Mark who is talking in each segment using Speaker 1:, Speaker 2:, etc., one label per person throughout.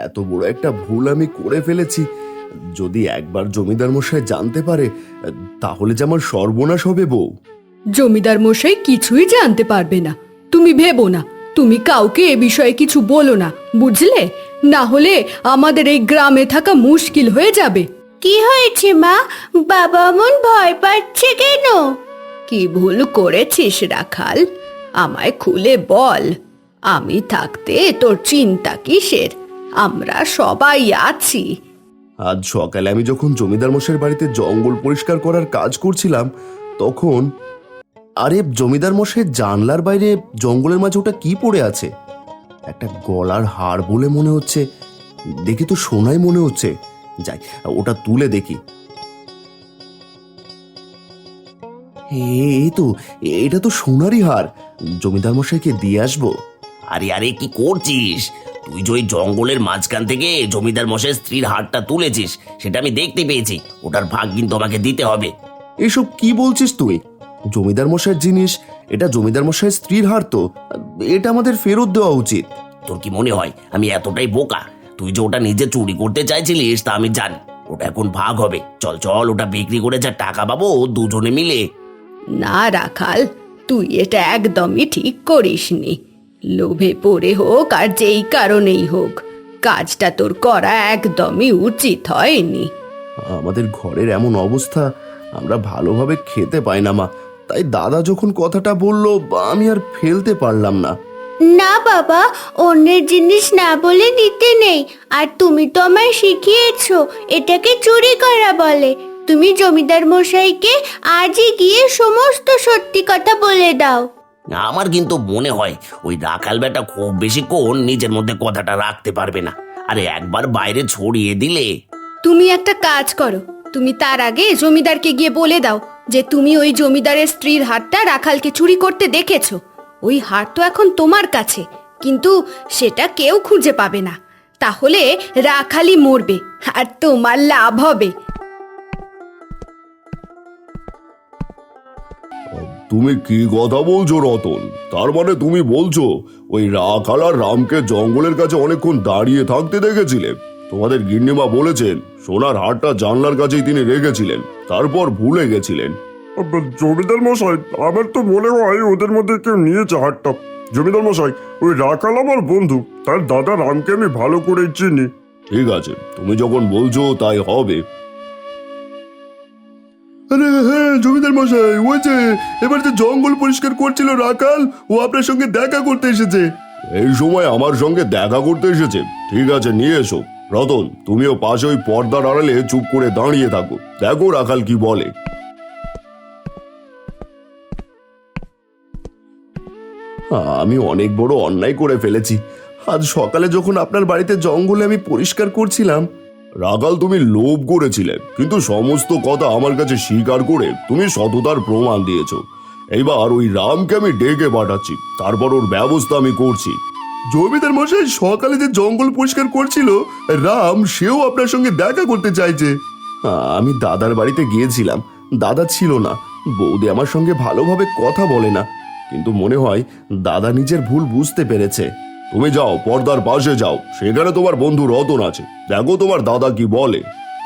Speaker 1: এত বড় একটা ভুল আমি করে ফেলেছি। যদি একবার জমিদার মশাই জানতে পারে তাহলে যে আমার সর্বনাশ হবে বউ।
Speaker 2: জমিদার মশাই কিছুই জানতে পারবে না, তুমি ভেবো না। তুমি কাউকে এ বিষয়ে কিছু বলো না, বুঝলে? না হলে আমাদের এই গ্রামে থাকা মুশকিল হয়ে যাবে।
Speaker 3: কি হয়েছে মা? বাবা মন ভয় পাচ্ছে কেন?
Speaker 2: কি ভুল করেছিস রাখাল? আমায় খুলে বল। আমি থাকতে তোর চিন্তা কিসের? আমরা সবাই আছি।
Speaker 1: আজ সকালে আমি যখন জমিদার মশাইয়ের বাড়িতে জঙ্গল পরিষ্কার করার কাজ করছিলাম তখন আরে জমিদার মশাইয়ের জানলার বাইরে জঙ্গলের মাঝে ওটা কি পড়ে আছে? একটা গলার হার বলে মনে হচ্ছে, দেখি তো সোনাই মনে হচ্ছে। যাই ওটা তুলে দেখি। এই তো, এটা তো সোনারই হার। জমিদার মশাইকে দিয়ে আসবো।
Speaker 4: আরে আরে কি করছিস তুই? যে ওই জঙ্গলের মাঝখান থেকে জমিদার মশাইয়ের স্ত্রীর হারটা তুলেছিস সেটা আমি দেখতে পেয়েছি। ওটার ভাগ কিন্তু আমাকে দিতে হবে।
Speaker 1: এসব কি বলছিস তুই? জমিদার মশাইয়ের জিনিস, এটা জমিদার মশাইয়ের স্ত্রীর হার তো, এটা আমাদের ফেরত দেওয়া উচিত।
Speaker 4: তোর কি মনে হয় আমি এতটাই বোকা? তুই যে ওটা নিজে চুরি করতে চাইছিলিস তা আমি জানি। ওটা এখন ভাগ হবে। চল চল, ওটা বিক্রি করে যা টাকা পাবো দুজনে মিলে।
Speaker 2: না রাখাল, তুই এটা একদমই ঠিক করিসনি। লোভে পড়ে হোক আর যেই কারণেই হোক, কাজটা তোর করা একদমই উচিত হয়নি।
Speaker 1: আমাদের ঘরের এমন অবস্থা, আমরা ভালোভাবে খেতে পাই না মা। তাই দাদা যখন কথাটা বললো আমি আর ফেলতে পারলাম না।
Speaker 3: না বাবা, অন্যের জিনিস না বলে নিতে নেই। আর তুমি তো আমায় শিখিয়েছো এটাকে চুরি করা বলে। তুমি জমিদার মশাইকে আজই গিয়ে সমস্ত সত্যি কথা বলে দাও।
Speaker 4: আমার কিন্তু মনে হয় ওই রাখাল বেটা খুব বেশিক্ষণ নিজের মধ্যে কথাটা রাখতে পারবে না। আরে একবার বাইরে ছড়িয়ে দিলে।
Speaker 2: তুমি একটা কাজ করো, তুমি তার আগে জমিদারকে গিয়ে বলে দাও যে তুমি ওই জমিদারের স্ত্রীর হারটা রাখালকে চুরি করতে দেখেছো। ওই হার তো এখন তোমার কাছে, কিন্তু সেটা কেউ খুঁজে পাবে না। তাহলে রাখালই মরবে আর তোমার লাভ হবে।
Speaker 1: তুমি কি কথা বলছো রতন? তার মানে তুমি বলছো ওই রাখাল আর রামকে জঙ্গলের কাছে অনেকক্ষণ দাঁড়িয়ে থাকতে দেখেছিলে? তোমাদের গিন্নিমা বলেছেন সোনার হারটা জানলার কাছেই তিনি রেখেছিলেন, তারপর ভুলে গেছিলেন।
Speaker 5: জমিদার মশাই, আমার তো মনে হয় ওদের মধ্যে কেউ নিয়েছে হাটটা। জমিদার মশাই, ওই রাখাল আমার বন্ধু, তার দাদা রামকে আমি ভালো করে চিনি।
Speaker 1: ঠিক আছে, তুমি যখন বলছো তাই হবে। আরে হ্যাঁ জমিদার মশাই, ওই যে এবার যে জঙ্গল পরিষ্কার করছিল রাখাল, ও আপনার সঙ্গে দেখা করতে এসেছে। এই সময় আমার সঙ্গে দেখা করতে এসেছে? ঠিক আছে, নিয়ে এসো। রতন, তুমিও পাশে ওই পর্দার আড়ালে চুপ করে দাঁড়িয়ে থাকো, দেখো রাখাল কি বলে। আমি অনেক বড় অন্যায় করে ফেলেছি। আজ সকালে যখন আপনার বাড়িতে জঙ্গলে আমি পরিষ্কার করছিলাম, রাখাল তুমি লোভ করেছিলে, কিন্তু সমস্ত কথা আমার কাছে স্বীকার করে তুমি সততার প্রমাণ দিয়েছো। এইবার ওই রামকে আমি ডেকে পাঠাচ্ছি, তারপর ওর ব্যবস্থা আমি করছি। জমিদার মশাই, সকালে যে জঙ্গল পরিষ্কার করছিল রাম, সেও আপনার সঙ্গে দেখা করতে চাইছে। আমি দাদার বাড়িতে গিয়েছিলাম, দাদা ছিল না। বৌদি আমার সঙ্গে ভালোভাবে কথা বলে না, কিন্তু মনে হয় দাদা নিজের ভুল বুঝতে পেরেছে। তুমি যাও, পর্দার পাশে যাও, সেখানে তোমার বন্ধু রতন আছে, দেখো তোমার দাদা কি বলে।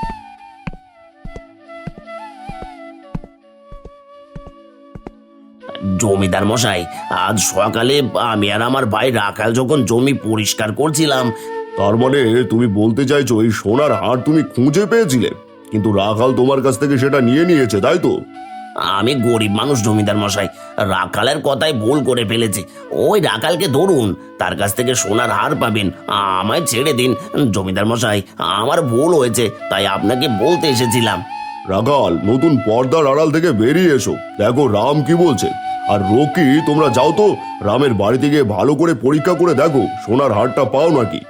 Speaker 4: জমিদার মশাই, আজ সকালে আমি আর আমার ভাই রাখাল যখন জমি পরিষ্কার করছিলাম।
Speaker 1: তার মানে তুমি বলতে চাইছো এই সোনার হার তুমি খুঁজে পেয়েছিলে, কিন্তু রাখাল তোমার কাছ থেকে সেটা নিয়ে নিয়েছে, তাই তো?
Speaker 4: আমি গরিব মানুষ জমিদার মশাই, রাখালের কথাই ভুল করে ফেলেছি। ওই রাখালকে ধরুন, তার কাছ থেকে সোনার হার পাবেন। আমায় ছেড়ে দিন জমিদার মশাই, আমার ভুল হয়েছে, তাই আপনাকে বলতে এসেছিলাম।
Speaker 1: রাখাল, নতুন পর্দার আড়াল থেকে বেরিয়ে এসো, দেখো রাম কি বলছে। আর রকি, তোমরা যাও তো রামের বাড়িতে গিয়ে ভালো করে পরীক্ষা করে দেখো সোনার হারটা পাও নাকি।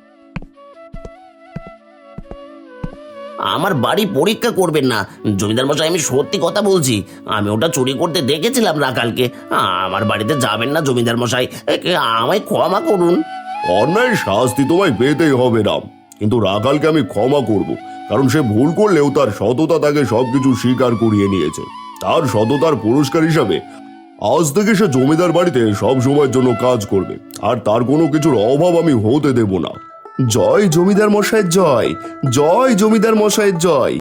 Speaker 4: আমার বাড়ি পরীক্ষা করবেন না জমিদার মশাই, আমি সত্যি কথা বলছি। আমি ওটা চুরি করতে দেখেছিলাম রাখালকে। আমার বাড়িতে যাবেন না জমিদার মশাই, আমায় ক্ষমা করুন।
Speaker 1: অন্যায় শাস্তি তোমায় পেতেই হবে রাম, কিন্তু রাখালকে আমি ক্ষমা করব, কারণ সে ভুল করলেও তার সততা তাকে সবকিছু স্বীকার করিয়ে নিয়েছে। তার সততার পুরস্কার হিসাবে আজ থেকে সে জমিদার বাড়িতে সব সময়ের জন্য কাজ করবে, আর তার কোনো কিছুর অভাব আমি হতে দেব না। জয় জমিদার মশাইয়ের জয়, জয় জমিদার মশাইয়ের জয়।